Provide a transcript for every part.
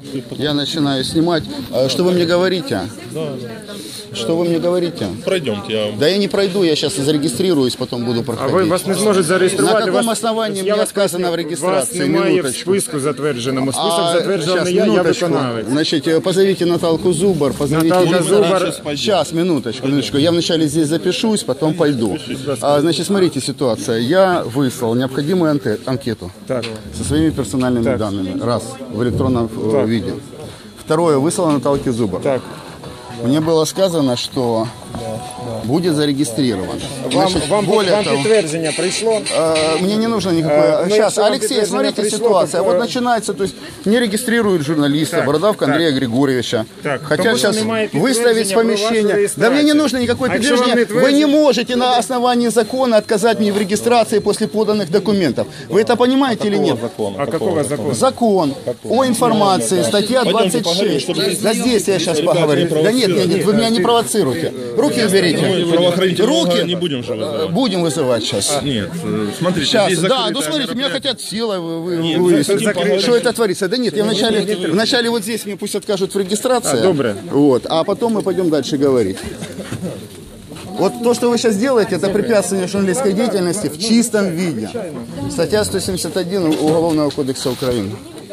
Я начинаю снимать. Что вы мне говорите? Что вы мне говорите? Пройдемте. Да я не пройду, я сейчас зарегистрируюсь, потом буду проходить. А ви вас не зможуть зареєструвати? На каком основании мне отказано в регистрации? Вас немає в Минуточку. списку затвердженому. Список затверджений я виконавець. Значит, позовите Наталку Зубар, позовите... Наталка Зубар. Сейчас, минуточку. Я вначале здесь запишусь, потом пойду. Значит, смотрите, ситуация. Я выслал необходимую анкету Так. со своими персональными данными. Раз, в электронном виде. Второе, выслал Наталке Зубар. Так. Мне было сказано, что будет зарегистрирован. Вам более того, підтвердження прийшло? мне не нужно никакое... Сейчас, вам Алексей, підтвердження смотрите прийшло, ситуация. то- Вот начинается, то есть не регистрируют журналиста, Так, Бородавка так. Андрея Григорьевича. Так, Хотя тому що сейчас немає выставить підтвердження про вашу помещение. Да реєстрацію. мне не нужно никакое А якщо вам подтверждение. не Вы не твердять- можете на основании закона отказать мне в регистрации после поданных документов. Вы это понимаете или нет? А какого закона? Закон о информации, статья 26. Да здесь я сейчас поговорю. Да нет, вы меня не провоцируйте. Руки уберите. Руки не будем же вызывать. Будем вызывать сейчас. Нет, смотрите, Сейчас, здесь да, закрытое ну смотрите, меня мероприятие. хотят силой вывести. Что это творится? Да нет, я вначале вот здесь мне пусть откажут в регистрации. добре. Вот, а потом мы пойдем дальше говорить. Вот то, что вы сейчас делаете, это препятствие журналистской деятельности в чистом виде. Статья 171 Уголовного кодекса Украины.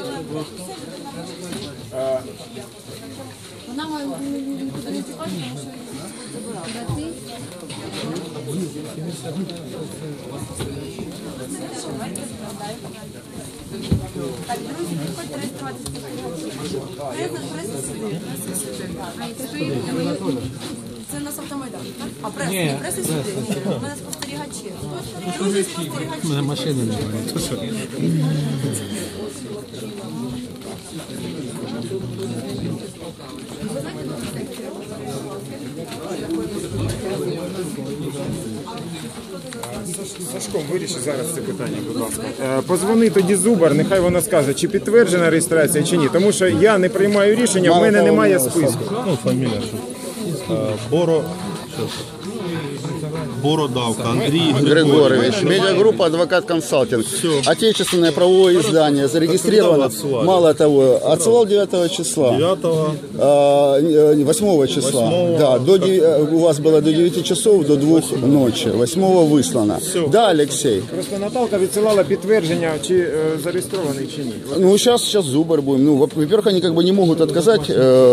Так, друзі, приходьте реєструватися. Це у нас автомайдан, так? А преса сюди. У мене спостерігачі. Друзі, спостерігачі. Машини не говорять. Сашком, виріши зараз це питання, будь ласка. Позвони тоді Зубар, нехай вона скаже, чи підтверджена реєстрація, чи ні. Тому що я не приймаю рішення, в мене немає списку. Ну, фамилия. Бородавка Андрей Григорьевич, медиагруппа «Адвокат Консалтинг». Отечественное правовое издание зарегистрировано. Мало того, отсылал 9 числа. 8 числа. Да, у вас было до 9 часов, до 2 ночи. 8 выслано. Да, Алексей? Просто Наталка відсилала підтвердження, чи зареєстрований, чи ні. Ну, сейчас Зубар будем. Ну, во-первых, они как бы не могут отказать,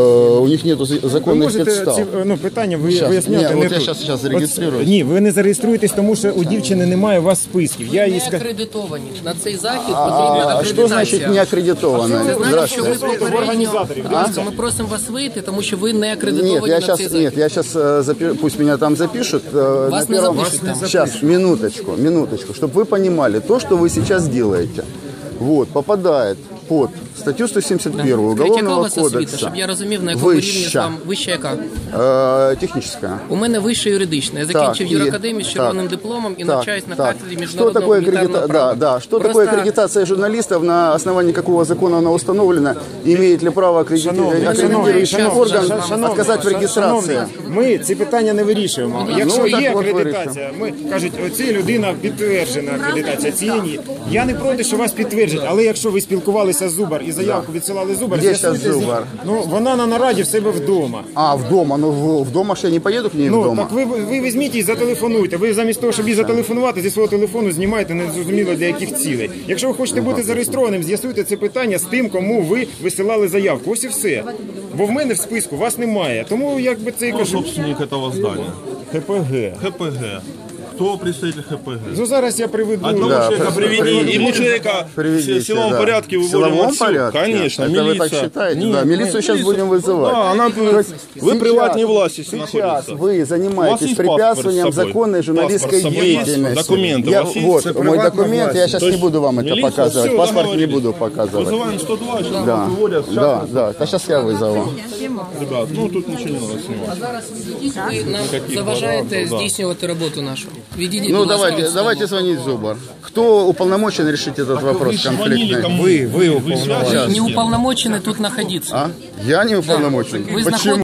у них нет Ви законных можете подстав. ці питання Щас. виясняти Ні, не от я тут. щас зареєструюсь. Ні, ви не зареєструєтесь, тому що у дівчини немає у вас списків. Я їй Не сказав. акредитовані. На цей захід потрібна А акредитація. что значит не аккредитовано? Це значить, що ви Здравствуйте. попередньо... Ми просимо вас вийти, тому що ви не акредитовані Нет, на цей захід. я сейчас пусть меня там запишут. Вас не запишут там. Сейчас, минуточку, чтобы вы понимали, то, что вы сейчас делаете, вот, попадает под статтю 171 Яка у Уголовного вас освіта, кодекса. щоб я розумів, на якому рівні вам вища яка? Техническая. У мене вища юридична. Я закінчив юракадемію з червоним дипломом і навчаюсь на кафедрі міжнародного гуманітарного права. Что такое аккредитация журналистов, на основании какого закона она установлена, имеет ли право аккредитирующий орган отказать в регистрации? Ми ці питання не вирішуємо. Якщо Ну, так є от акредитація, ми кажуть, оця людина підтверджена акредитація, цієї ні. Я не проти, що вас підтверджать, але якщо ви спілкувалися з Зубар і заявку відсилали Зубар, Де з'ясуйте щас з ним. Зубар? Ну, вона на нараді в себе вдома. А, вдома, ну вдома ж я не поеду к ней Ну, вдома. так ви візьміть і зателефонуйте. Ви замість того, щоб їй зателефонувати, зі свого телефону знімаєте незрозуміло для яких цілей. Якщо ви хочете бути зареєстрованим, з'ясуйте це питання з тим, кому ви висилали заявку. Ось і все. Бо в мене в списку вас немає. Тому, якби це і Кто кажу, собственник этого здания? ХПГ. ХПГ. Кто представитель ХПГ? Ну, зараз я приведу. Одного человека приведи, и мы человека Приведите, в силовом да. порядке В выводим силовом отсюда. порядке? Конечно, Это милиция. вы так считаете? Нет, Да, милицию сейчас будем вызывать. Да, она вы приватной власти Сейчас находится. вы У занимаетесь вас есть препятствием паспорт с собой? законной журналистской Паспорт с собой есть? деятельности. Документы Я, у вас есть? вот, Это мой приватная документ, власть. я сейчас То не есть буду вам это милиция, показывать. всё, Паспорт не договорились. буду показывать. Вызываем 102, сейчас Да, нам выводят. да, да. А сейчас я вызову. Ребят, ну тут ничего не надо снимать. Зараз ви нам заважаєте здійснювати роботу нашу. Відійдіть, Ну будь ласка, від давайте столу. звонить Зубар. Кто уполномочен решить этот вопрос конфликтный? Вы уполномочены. Не уполномочены тут находиться. А? Я не уполномочен. Вы Почему?